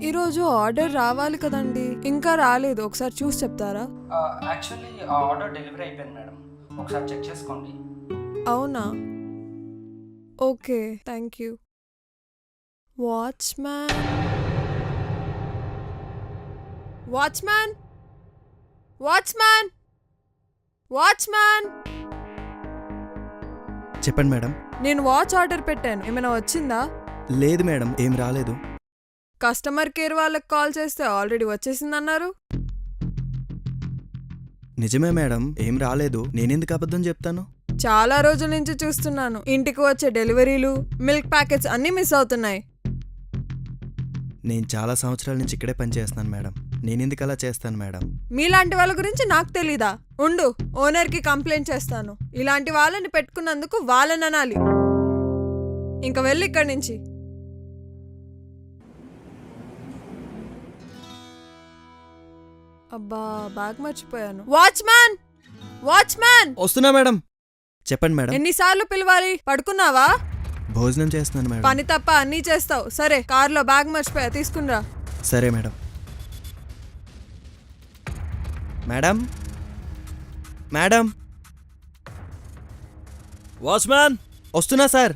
ఈరోజు ఆర్డర్ రావాలి కదండి, ఇంకా రాలేదు. ఒకసారి చూసి చెప్తారా? యాక్చువల్లీ ఆ ఆర్డర్ డెలివరీ అయిపోయింది మేడం, ఒకసారి చెక్ చేసుకోండి. అవునా, okay, thank you. Watchman, watchman, watchman, watchman. చెప్పండి మేడం. నేను వాచ్ ఆర్డర్ పెట్టాను, ఏమైనా వచ్చిందా? లేదు మేడం, ఏం రాలేదు. కస్టమర్ కేర్ వాళ్ళకి కాల్ చేస్తే ఆల్రెడీ వచ్చేసిందన్నారు. నిజమే మేడం, ఏం రాలేదు. నేనెందుకు అబద్ధం చెప్తాను? చాలా రోజుల నుంచి చూస్తున్నాను, ఇంటికి వచ్చే డెలివరీలు, మిల్క్ ప్యాకెట్స్ అన్నీ మిస్ అవుతున్నాయి. నేను చాలా సంవత్సరాల నుంచి ఇక్కడే పనిచేస్తున్నాను మేడం. నేనెందుకు అలా చేస్తాను మేడం? మీలాంటి వాళ్ళ గురించి నాకు తెలీదా? ఉండు, ఓనర్కి కంప్లైంట్ చేస్తాను. ఇలాంటి వాళ్ళని పెట్టుకున్నందుకు వాళ్ళని అనాలి. ఇంక వెళ్ళి ఇక్కడి నుంచి. అబ్బా, బ్యాగ్ మర్చిపోయాను. Watchman, watchman. వస్తున్నా మేడం. చెప్పండి మేడం. ఎన్నిసార్లు పిలవాలి? పడుకున్నావా? భోజనం చేస్తున్నాను మేడం. పని తప్ప అన్నీ చేస్తావు. సరే, కార్లో బ్యాగ్ మర్చిపోయా, తీసుకునిరా. సరే మేడం. Madam, madam. వాచ్మ్యాన్, వస్తున్నా సార్.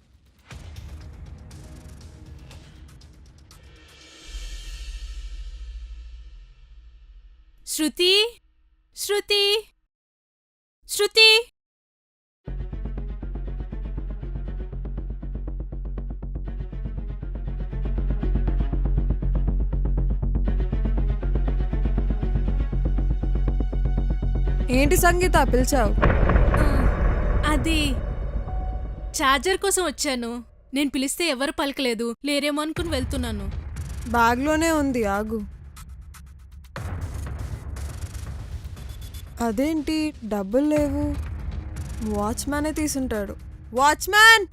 శృతి, శృతి, శృతి. ఏంటి సంగీత పిలిచావు? అది ఛార్జర్ కోసం వచ్చాను. నేను పిలిస్తే ఎవరు పలకలేదు, లేరేమో అనుకుని వెళ్తున్నాను. బ్యాగ్లోనే ఉంది, ఆగు. అదేంటి డబ్బులు లేవు? వాచ్మ్యానే తీసుంటాడు. వాచ్మ్యాన్,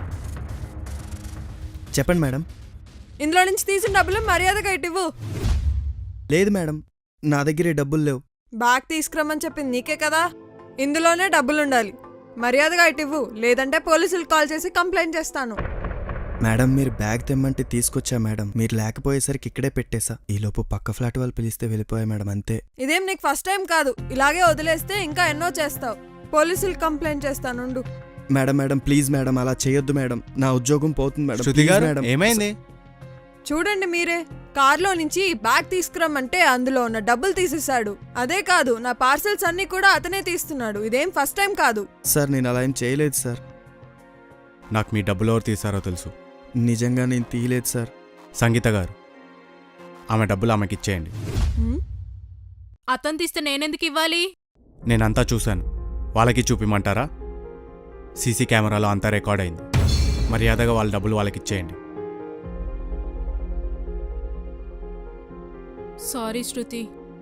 చెప్పండి మేడం. ఇందులో నుంచి తీసిన డబ్బులు మర్యాదగా ఇవ్వు. లేదు మేడం, నా దగ్గర డబ్బులు లేవు. బ్యాగ్ తీసుకురమ్మని చెప్పింది నీకే కదా, ఇందులోనే డబ్బులుండాలి. మర్యాదగా ఇవ్వు, లేదంటే పోలీసులకు కాల్ చేసి కంప్లైంట్ చేస్తాను. మేడం, మీరు బ్యాగ్ తెమ్మంటే తీసుకొచ్చా మేడం. మీరు లేకపోయేసరికి ఇక్కడే పెట్టేశా. ఈలోపు పక్క ఫ్లాట్ వాళ్ళు పిలిస్తే వెళ్ళిపోయా మేడం, అంతే. ఇదేం నీకు ఫస్ట్ టైం కాదు. ఇలాగే వదిలేస్తే ఇంకా ఎన్నో చేస్తావు. పోలీసులకు కంప్లైంట్ చేస్తానుండు. మేడం మేడం, ప్లీజ్ మేడం, అలా చేయొద్దు మేడం. నా ఉద్యోగం పోతుంది మేడం. శృతి గారు, మేడం, ఏమైంది? చూడండి మీరే, కార్లో నుంచి బ్యాగ్ తీసుకురమ్మంటే అందులో ఉన్న డబ్బులు తీసేశాడు. అదే కాదు, నా పార్సల్స్ అన్ని కూడా అతనే తీస్తున్నాడు. ఇదేం ఫస్ట్ టైం కాదు. సార్, నేను అలా ఏం చేయలేదు సార్. నాకు మీ డబ్బులు ఎవరు తీసారో తెలుసు. నిజంగా నేను తీయలేదు సార్. సంగీత గారు, ఆమె డబ్బులు ఆమెకి ఇచ్చేయండి. అతను తీస్తే నేనెందుకు ఇవ్వాలి? నేనంతా చూశాను, వాళ్ళకి చూపిమంటారా? సీసీ కెమెరాలో అంతా రికార్డ్ అయింది. మర్యాదగా వాళ్ళ డబ్బులు వాళ్ళకి ఇచ్చేయండి. సారీ శృతి.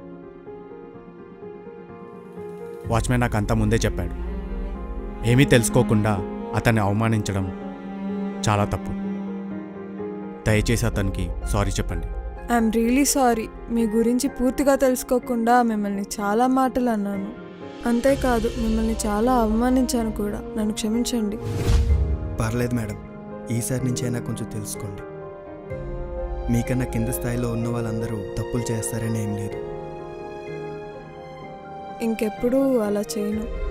వాచ్మెన్ నాకు అంతా ముందే చెప్పాడు. ఏమీ తెలుసుకోకుండా అతన్ని అవమానించడం చాలా తప్పు. దయచేసి అతనికి సారీ చెప్పండి. I'm really sorry. మీ గురించి పూర్తిగా తెలుసుకోకుండా మిమ్మల్ని చాలా మాటలు అన్నాను. అంతేకాదు, మిమ్మల్ని చాలా అవమానించాను కూడా. నన్ను క్షమించండి. పర్లేదు మేడం, ఈసారి నుంచి అయినా కొంచెం తెలుసుకోండి. మీకన్నా కింద స్థాయిలో ఉన్న వాళ్ళందరూ తప్పులు చేస్తారని ఏం లేదు. ఇంకెప్పుడూ అలా చేయను.